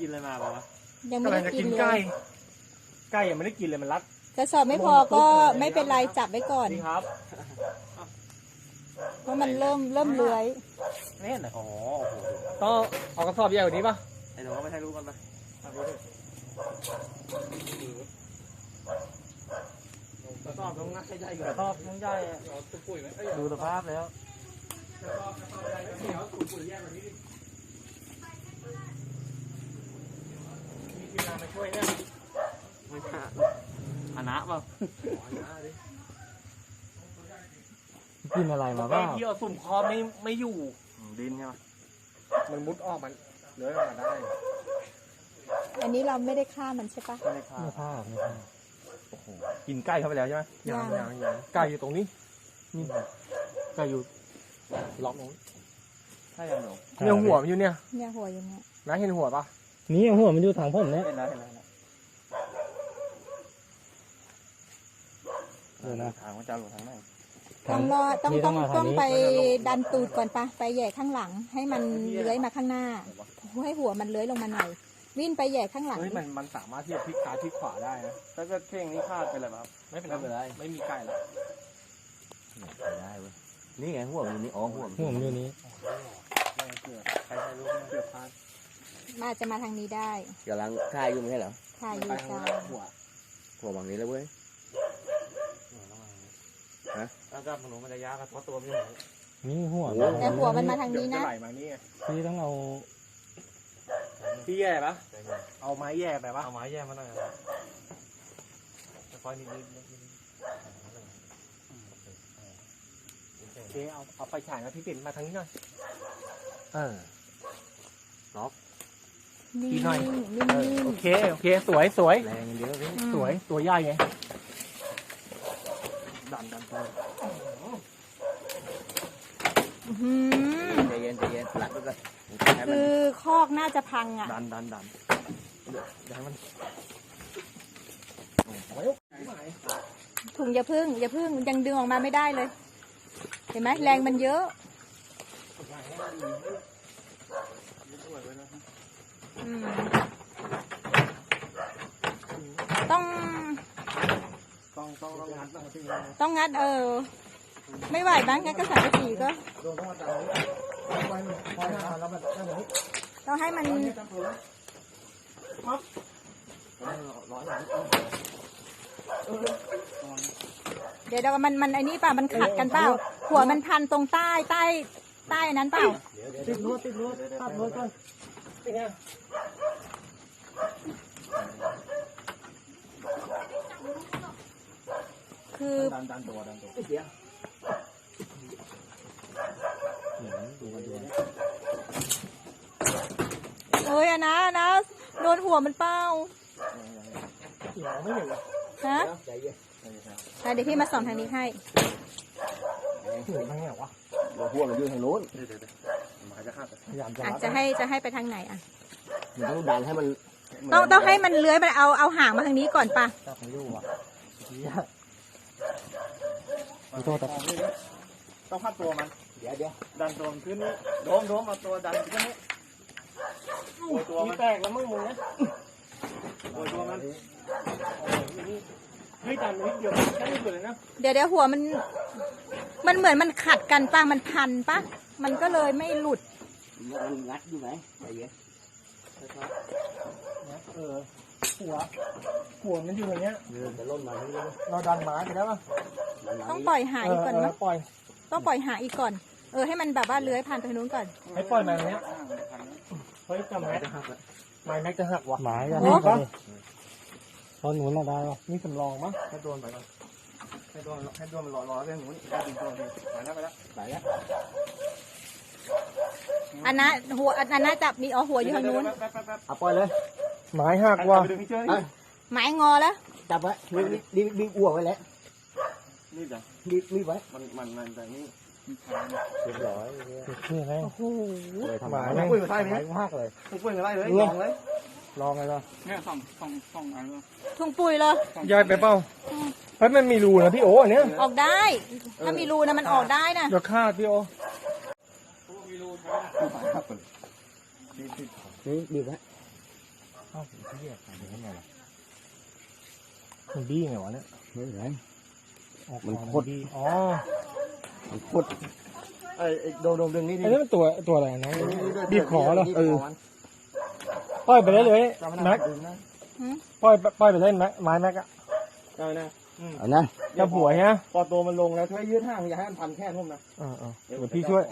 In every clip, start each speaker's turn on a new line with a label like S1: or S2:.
S1: กินอะไรมาเปล่าวะ
S2: ยังไม่
S3: กำลั
S2: ได้
S3: งจะ
S2: กิ
S3: กิ
S2: น
S3: น
S2: เล
S3: ไก่
S2: ย
S3: ไก่ยังไม่ได้กินเลยมันรัด
S2: กระสอบไม่พอก็ไม่เป็นไรจับไว้ก่อน
S3: นี่ครับ
S2: เพราะมันเริ่มเลื้อย
S1: เล่นอ๋อโอ้โห
S3: ต้องเอากระสอบใหญ่กว่านี้ป่ะ
S1: ไอ้หนูก็ไม่ให้รู้กันไป
S3: กระสอบต้องงัดใหญ่ก
S1: ก
S3: ว่า
S1: ระสอบน้องใหญ่อะดูสภาพแล้ว
S3: มีทีมงานมาช่วยเนี่ย
S1: ไม่ใช่อันนะเปล่า
S4: กินอะไรมาบ้าง
S3: ที่เอาสุ่มคอไม่อยู่
S1: ดินใช่ไหม
S3: มันมุดออกมันเลื้อยออกมาได้
S2: อันนี้เราไม่ได้ฆ่ามันใช่ปะ
S1: ไม่ได้ฆ่า
S4: ไม่พลาดไม่พลาด
S3: กินไก่เข้าไปแล้วใช่ไหม
S2: ยัง
S3: ไก่อยู่ตรงนี้นี่ไก่อยู่ล็อกตรงนี้
S1: ใช่ยังหนู
S3: เนี่ยหัวมันอยู่เนี่ย
S2: เนี่ยหัวอย่างเงี้ย
S3: นะเห็นหัวปะ
S4: นี่หัวมันอยู่ทางผมเนี่ย
S1: เห็นแล้วเห็นแล้ว
S4: เดี๋ยวนะ
S1: ทางว่าจะหลุดทางไหน
S2: ต้องรอต้อง
S4: นี่
S2: ต้อง
S4: มาทา
S2: ต้อง
S4: นี้
S2: ไปดันตูดก่อนปะไปแหย่ข้างหลัง ให้มันเลื้อยมาข้างหน้าให้หัวมันเลื้อยลงมาหน่อยวิ่งไปแหย่ข้างหลัง
S3: เฮ้ยมันสามารถที่จะพลิกซ้ายพลิกขวาได้นะ
S1: ถ้าเกิดเพลงนี้พลาดไปเลยครับ
S3: ไม่เป็นไรไม่มีไก่แล้ว
S1: ได้เว้ยนี่ไงหัวมันนี่อ๋อหัว
S4: หัวมันอยู่นี้
S1: เกือบใครใครรู้เกือบพลาด
S2: มาจะมาทางนี้ได้
S5: กำลังถ่ายอยู่ไม่ใช่เหรอ
S2: ถ่ายอยู่
S3: ไปข้าง
S2: จ้า
S3: หน้าหัว
S5: หัวบางนี้แล้วเว้ย
S1: ถ้าจับหนูมันจะยากเพราะตัวมันอยู่ไหน
S4: นี่หัว
S5: โอ้
S2: แต่หัวมันมาทางนี้
S3: เดี๋ยว
S2: นะ
S3: จะไหลมานี่ไง
S4: พี่ต้องเอา
S3: พี่แย่ปะเอาไม้แย่ไปปะ
S1: เอาไม้แย่มาหน่อยค่อยนิด
S3: โอเคเอาไฟฉายมาพี่ปิ่นมาทางนี้หน่อย
S2: นิ่ง
S3: อีกหน่อย
S2: ๆนิ่ง
S3: โอเคสวย
S1: แรงเยอะพี่
S2: ๆ
S3: สวยตัวใหญ่ไง
S1: ดันตัว
S2: อื้อหือ
S5: ใจเย็นใจเย็นหลักด้วยกันให้มัน
S2: คือคอกน่าจะพังอ่ะ
S1: ดันอย่าให้มัน
S2: ถุงอย่าพึ่งยังดึงออกมาไม่ได้เลย เห็นไหมแรงมันเยอะอืมต้อง
S3: งัดมาที่
S2: ต้องงัดไม่ไหวบ้างงั้นก็สังกะสีก็
S3: โดนต้องมาดันนี้ไฟแล้วมันแบบนี้
S2: ต้องให้มันเดี๋ยวมันไอ้นี่เปล่ามันขัดกันเปล่าหัวมันพันตรงใต้นั้นเปล่า
S3: ติดรั้วตัดรั้วก่อนเป็นไง
S2: คือ
S1: ดันตัว
S2: เอ้ยอะนะโดนหัวมันเป้า
S3: ไม่เห็นเลย
S2: ฮะ
S5: ใจเย็น
S2: เดี๋ยวพี่มาส่องทางนี้ให้
S3: ถึงทางไหนวะ
S5: หัวมันอยู่ทางโน้น
S1: มันจะฆ่า
S3: พยายามจะ
S2: อ่ะ
S3: รัด
S2: จะให้ไปทางไหนอ่ะ
S5: มันต้องดันให้มัน
S2: ต้องให้มันเลื้อยมันเอาหางมาทางนี้ก่อนป่ะ
S4: จับไม่อยู่อ่ะขอโทษแต่
S1: ต้องพัดตัวมัน
S5: เดี๋ยว
S1: ดันตัวมันขึ้นนี่โดมเอาตัวดันขึ้นนี่โอยตัว
S3: มี
S1: มัน
S3: แตกแล้วมึงนะ
S1: โอยตัวมัน
S3: เฮ้ยดันนิดเดียวแค่นิดเดียวเลยนะ
S2: เดี๋ยวหัวมันเหมือนมันขัดกันป่ะมันพันป่ะมันก็เลยไม่หลุด
S5: มันงัดอยู่ไหนใจเย็น
S3: หัวมันอยู่อย่างเงี้ย
S5: จะล่นมาที่นี่
S3: เราดันไม้ไปแล้วป่ะ
S2: ต้องปล่อยหางอีกก่อนมั้ง
S3: ปล่อย
S2: ต้องปล่อยหางอีกก่อนให้มันแบบว่าเลื้อยผ่านไปทางนู้นก่อน
S3: ให้ปล่อยมาอย่างเงี้ยเฮ้ยจำแม็กไม้แม็กจะหักว่ะ
S4: หมายกัน
S2: โอ้
S4: นี่ตอนหนุนน่ะได้ป่ะ
S3: นี่สำรองมั้ง
S1: ให้โดนไปก่อนให้โดนมันรอเรื่องหนูนี่ดึงตัวดีไปแล้ว
S5: ไปแล้ว
S2: อันนั้นจับมีหัวอยู่ทางนู้น
S5: เอาปล่อยเลย
S3: ไม้หักว่ะ
S1: ไปดึงพี่เจ้ย
S2: ไม้งอแล้ว
S5: จับไว้บีบอ้วกไว้แล้ว
S1: นี่จ้ะ
S5: บีบไว้
S1: มันแต่นี่
S5: เรียบร้อย
S4: นี่ไง
S2: โอ้โห
S5: เลยทำ
S3: ไม้
S5: ไม
S3: แม่ง
S1: ปุ้ยมาใต้ไหม
S3: ไม้หักเลย
S1: ปุ้ยมาใต้เลยลองเลย
S3: ลองไงล่ะ
S1: เนี่ยสองอันเลย
S2: ถุงปุ๋ยเลย
S3: ย่อยไปเปล่าเฮ้ยมันมีรูนะพี่โอ้อันเนี้ย
S2: ออกได้ ถ้ามีรูนะมันออกได้นะ
S3: เดี๋ยวคาดพี่โอ
S5: นี่บีบไว้
S3: เอ้าไอ้เหี้ยขายได้ไงล่ะมันบี้ไงวะเนี่ย
S5: ไม่เป็นไร
S3: ออก
S5: มัน
S3: มา
S5: โคตร
S3: บี้อ๋อ
S5: มันโคตรไอ้โดมดึงนี่ดิ
S3: ไอ้นี่มันตัวอะไรนะบีบคอเหรอ
S5: เออ
S3: ปล่อยไปได้เลยแม็ก
S1: ดึงนะ
S3: ปล่อยไปเล่นแม็กไม้แม็กอะ
S1: ได้นะ
S5: เอานะ
S3: จับหัวฮะ
S1: พอตัวมันลงแล้วช่วยยืดห่างอย่าให้มันพันแค่ทุ่มนะ
S3: เดี๋ยวพี่ช่วย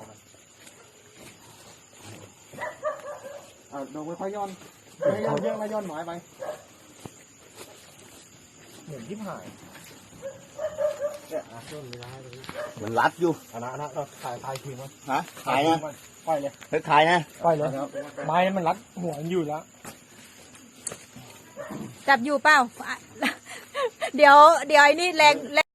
S1: โดนค่อยๆย่อนไม่ย่อนเยอะไม่ย่อนหมายไป
S3: เหมือนที่ผ่าย
S1: เนี่ย
S5: มันรัดอยู่
S3: อันนั้นเราถ่ายทิ้งไว้
S5: ฮะขายนะ
S3: ปล่อยเลย
S5: เฮ้ยขายนะ
S3: ปล่อยเลยไม้มันรัดหัวมันอยู่แล้ว
S2: จับอยู่เปล่า เดี๋ยวไอ้นี่แรง